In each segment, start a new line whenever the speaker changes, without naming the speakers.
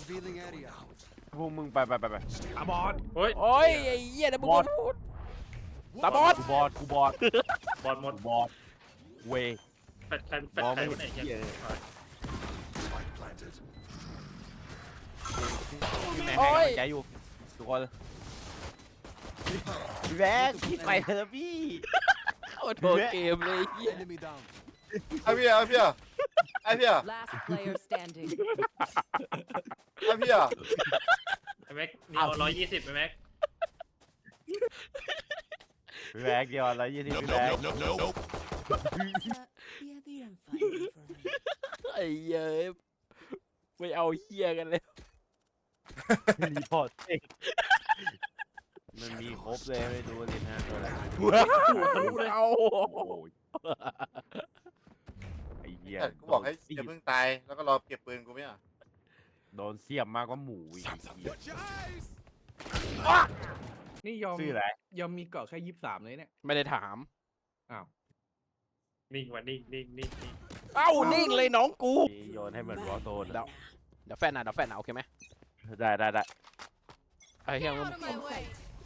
พวกมึงไป
ตาบอด
เฮ้ย
โอ้ยไอ้เหี้ยนะมึงพูดตาบอด
กูบอด
บอลหมด
บอดเว
แฟดใครวะไหนเนี่ย
พี่แม่ให้กำลังใจอยู่ทุกคนพี่แบ๊กพี่ไปเถอะพี่
โอ้โหเกมเลยเหี้ย
ไอ้พี่ไอ้พี่ไอ้พี่
Last player standing.
ไอ้พี่
ไอ้แม็กนี่เอา120ไปแม็ก
พี่แบ๊กเดียวอะไรยี่สิบพี่แบ๊ก
Yeah, they didn't find me for me.
ไอ้เหี้ยไม่เอาเหี้ยกันเลย
รีพอร์ตเองมันมีครบเลยไม่ดูเลยนะตัวอะไร
เอา
ไอ้เหี้ย
กูบอกให้อย่าเพิ่งตายแล้วก็รอเก็บปืนกูไม่อ่ะ
โดนเสียบมากกว่าหมูอีก
นี่ยอม
ชื่ออะไร
ยอมมีเกาะแค่23เลยเนี่ย
ไม่ได้ถาม
อ้าว
นิ่งว่ะนิ่ง
เอ้านิ่งเลยน้องกู
โยนให้เหมือนวอลโซน
เดี๋ยวแฟนนะโอเคไหม
ได้
ไอ้เหี้ยมึง
Out of my way.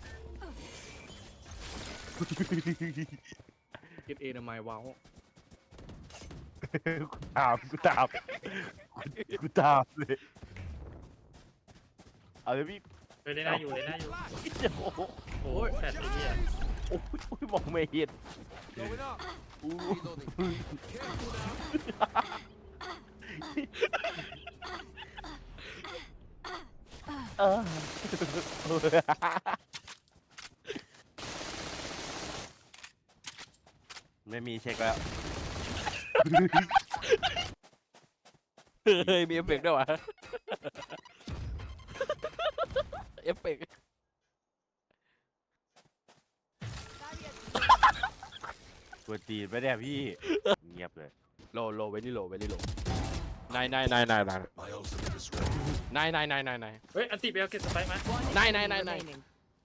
เก็ตเอทำไมว้าว
กูตามเลยเอาเลยพี่
เฮ้ยได้หน้าอยู่
โอ้โห
โอ้ยแฟดไอ้เหี้ย
โอ้ยมองไม่เห็นไม่มีเช็คแล้ว
เฮ้ยมีเอฟเฟกต์ด้วยวะเอฟเฟกต์
ตัวจีนไม่ได้พี่เงียบเลย
โลเวนี่โลนาย
เฮ้ยอันติไปเอาเก็บสไปมา
One
Nine,
enemy
nine.
remaining.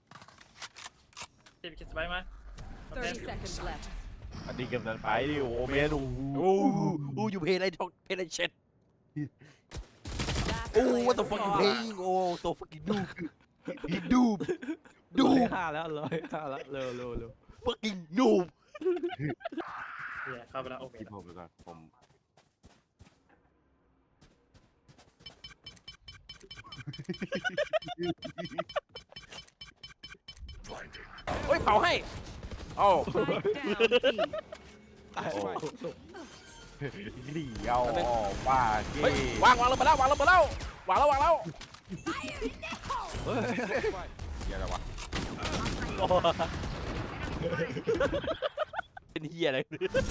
ติไปเก็บสไปมา
30 seconds left.
อันนี้กำลังไปดิโอเมน
โอ้อยู่เพลย์อะไรเช็ด
Last
โอ้
player
what the fuck you
standing.
playing โอ้ so fucking noob
105แล้ว105แล้วเร็ว
fucking noob
เนี่ยเข้าไปแล้วโอเค
คิดผมไปก่อนผม
เฮ้ยเป่าให้โอ้
Spike down B.
เหลี่ยวบ้าเก้
เฮ้ยวางลงไปแล้ววางแล้ว
เหี้ยอะไรวะ
เป็นเฮียอะไร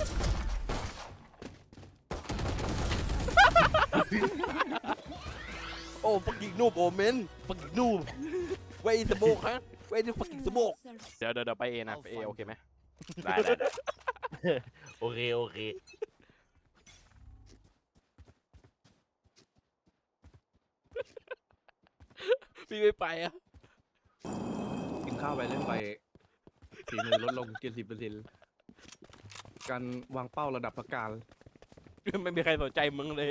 โอ้ fucking noob โอเมน fucking noob where is the smoke ฮะ where is the fucking smoke เดี๋ยวไปเอนะไปเอโอเคไหม
ได้โอเค
พี่ไม่ไปอ่ะ
ๆกินข้าวไปเล่นไปฝีมือลดลง 70%การวางเป้าระดับประการ
ไม่มีใครสนใจมึงเลย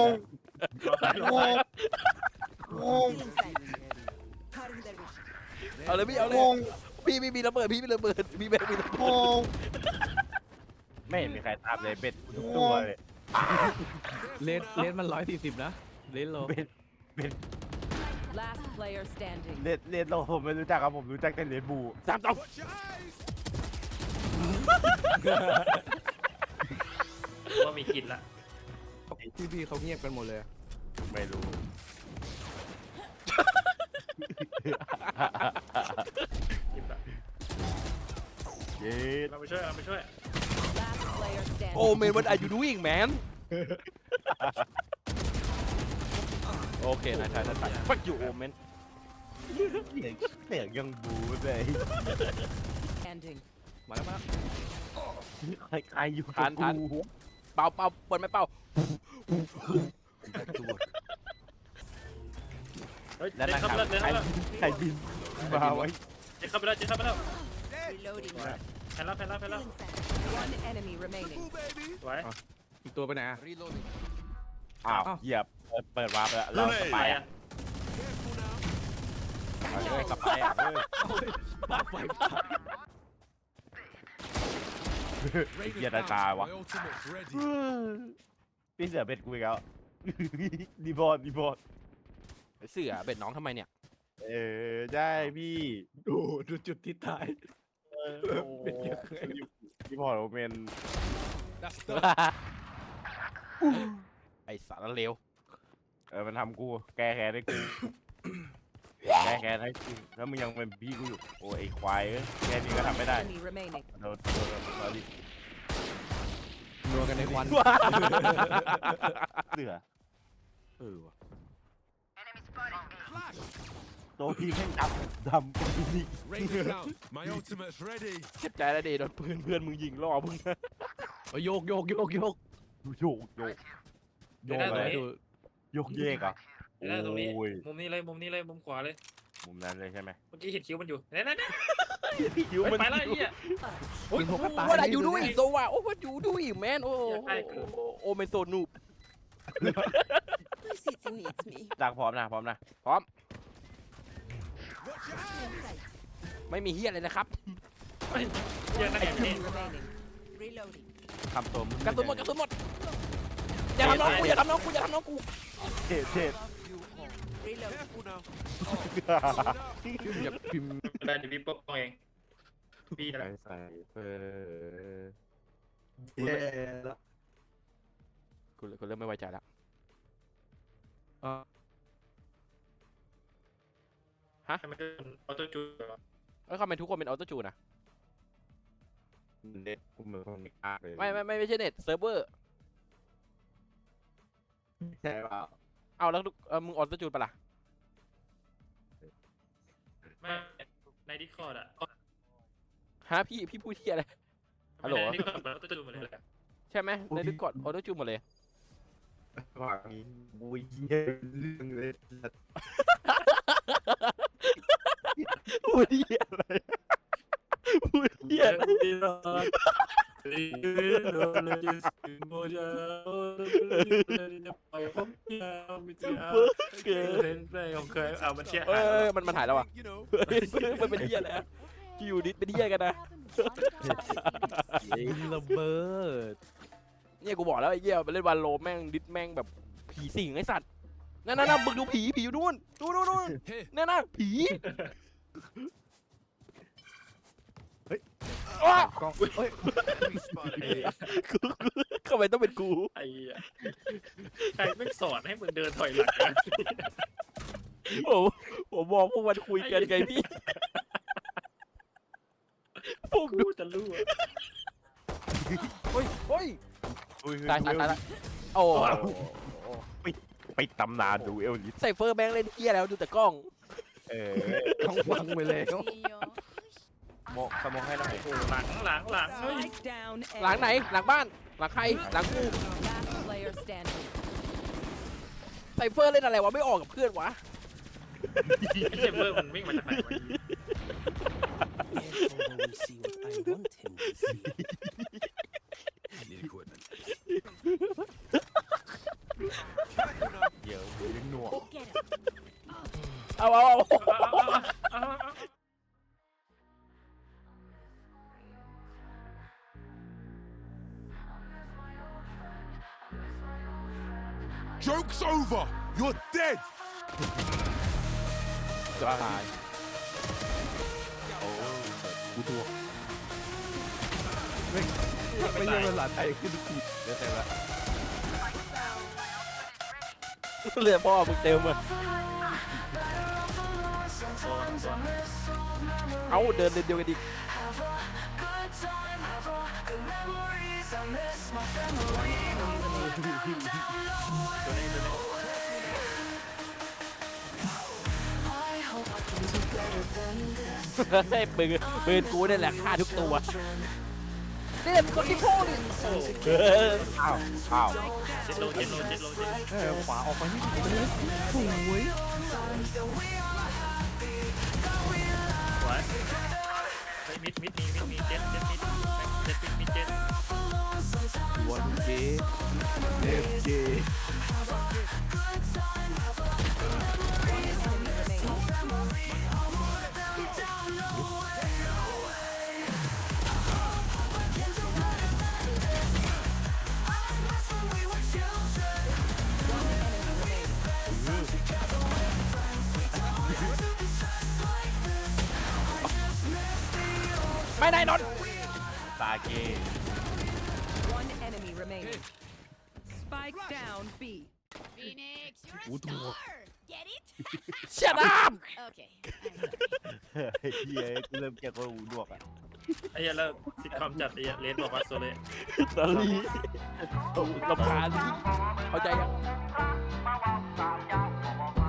เอาเลยพี่เอาเลยพี่ไม่มีระเบิดพี่ไม่ระเบิดพี่แม่งมีระเบิด
ไม่เห็นมีใครตามเลยเบ็ดทุกตัวเลย
เลนมัน140นะเลนโล
เบ็ด
Last player standing.
เลนโลผมไม่รู้จักครับผมรู้จักแต่เลนบู
3 ต่อ
ว่ามีกินละ
พี่เขาเงียบกันหมดเลย
ไม่รู้
กินละ
เย็ด
เราไปช่วย
Last player
โอ้
standing.
เมน what are you doing man โอเคนาย fuck you โอเมน
เสียงยังบูเลย
Ending.
มาแล้ว
ใครอยู่
ทัน เป่าเปิดไม่เป่า
เฮ้ย
แล้ว
เดิ
นะ
น
ค
เข้า
รับ
ไปแล้ว
ใครบินมาไว้
เดินเข้าไปแล้ว
Reloading.
แพ้แล้ว
One enemy remaining.
สวย
อีกตัวไปไหนอะ
อ้าวเหยียบเปิดวาร์ปแล้วเราส
ไป
บาย
อ่ะ
เอาเลยกลับไปอ่ะ
ปาไฟ
เหี้ยตาตาวะพี่เสือเบ็ดกูอีกแล้ว ดีบอล
เสือเบ็ดน้องทำไมเนี่ย
ได้พี่
ดูจุดที่ตาย เป็นเยอะเลย
ดีบอลโอเมน
ไอสารเลว
มันทำกูแก้แค้นให้กูแก้แค้นให้กูแล้วมึงยังเป็นพี่กูอยู่โอ้ยไอ้ควายแค่นี้ก็ทำไม่ได้
Enemy remaining.
โดนดิ
นัวกันในควัน
เสือ
ว่ะ
โตพี่แม่งดำกูนี่
My ultimate's ready.
เจ็บใจแล้วดิโดนเพื่อนมึงยิงล่อมึง
โยก
โยก
เดี๋ยวนะ
อะไร
ตรงนี้
โยกเยกอ่ะ
เดี๋ยวนะตรงนี้
โอ้ย
มุมนี้เลยมุมขวาเลย
มุมนั้นเลยใช่ไหม
เมื่อกี้เห็นคิ้วมันอยู่นั่น
คิ้วมัน
ไปแล้วไอ้เหี้ย
กินพวกกระต่าย
ว่าอยู่ด้วยโซว่าโอ้ว่าอยู่ด้วยแมนโอ้
อยากได้คือ
โอ้เมนโซนูบ
My city needs me.
จากพร้อมนะ
พร้อม ไม่มีเฮียอะไรนะครับ
เหี้ยนั่นไงนี่
Enemy remaining. Reloading.
ทำตัวมึง
กระสุนหมดอย่าทำน้องกูอย่าทำน้องกู
เจ็ด
Reloading.
Careful now.
อยากพิมพ์
ได้เดี๋ยวพี่ปกป้องเองพี่นั่นแหละ
ใส่เฟอร์
กูเริ่มไม่ไว้ใจแล้ว
ทำไมเป็นออโต้จูนเหรอ
แล้วทำไมทุกคนเป็นออโต้จูนอะ
เน็ตกูเหมือนคนไม่กล้าเลย
ไม่ใช่เน็ตเซิร์ฟเวอร์
ใช่เปล่า
เอาแล้วมึงออโต้จูนปะล่ะ
ไม่ในดิสคอร์ดอะ
ฮะพี่พูดที่อะไร ฮัลโหล
ในดิสคอร์ดมันออโต้จูนหมดเลยแหละ
ใช่ไหมในดิสคอร์ดออโต้จูนหมดเลย
ว่านี้บุยเยี่ยเรื่องเลย
พูดที่อะไรพูดที่อะไร
เอามันเชี่ย
มันหายแล้วอ่ะ
You know.
มันเป็นเฮียแล้วอยู่ดิเป็นเฮียกันนะ
ระเบิด
เนี่ยกูบอกแล้วไอ้เหี้ยไปเล่นวันโลแม่งดิสแม่งแบบผีสิงไอ้สัตว์นั่นมึงดูผีอยู่นู่นนู่น
Here.
นั่นผี
กล้องเฮ้ย
Enemy spotted.
ทำไมต้องเป็นกู
ไอ้ใครไม่สอนให้มึงเดินถอยหลัง
ผมบอกพวกมันคุยกันไงพี่พวก
กูจะรู้
เฮ้ย ตายโอ้
ไปตำนานดูเอลลิส
ใส่เฟอร์แบงค์เล่นเฮียแล้วดูแต่กล้อง
กล้องฟังไปแล้ว
โมสมองให้หน่อย
หลังเฮ้ย
Spike down.
หลังไหนหลังบ้านหลังใครหลังกู
Last player standing.
ใส่เฟอร์เล่นอะไรวะไม่ออกกับเพื่อนวะ
เซเบอร์มันวิ่งมาจากไหนวะ
will see what I want him to see.
Need equipment.
เดี๋ยวมึงยังหน่วง
Get him.
เอา
Joke's over. You're dead.
จะตายโอ้กูตัว
ไม่ใช่ภาษาไทยขึ้นผิด
เดี๋ยวเสร็จแล้ว
เหลือพ่อมึงเต็มเลยเอาเดินเดียวกันดิ ให้ปืนกูนี่แหละฆ่าทุกตัวนี่แหละคนที่พ่อดิ
อ้าว
เจ็ดโล
ขวาออกไปนี่สวย
สวยมิดเจ็ดมิดเจ็ด
วันเกเอฟเจ
Enemy remaining.
ไม่ได้นน
ตาเก
One enemy remaining. Spike down B.
Phoenix, you're a
What the
star. Get it?
เชี่ยน้
Okay. I'm sorry.
เฮียกูเริ่มเกลียดคนหูหนวกอ่ะ
ไอ้เหี้ยแล้วซิทคอมจัดไอ้เหี้ยเลนบอกว่าโซเล่
ำตอนนี้ลำคาญเข้าใจยัง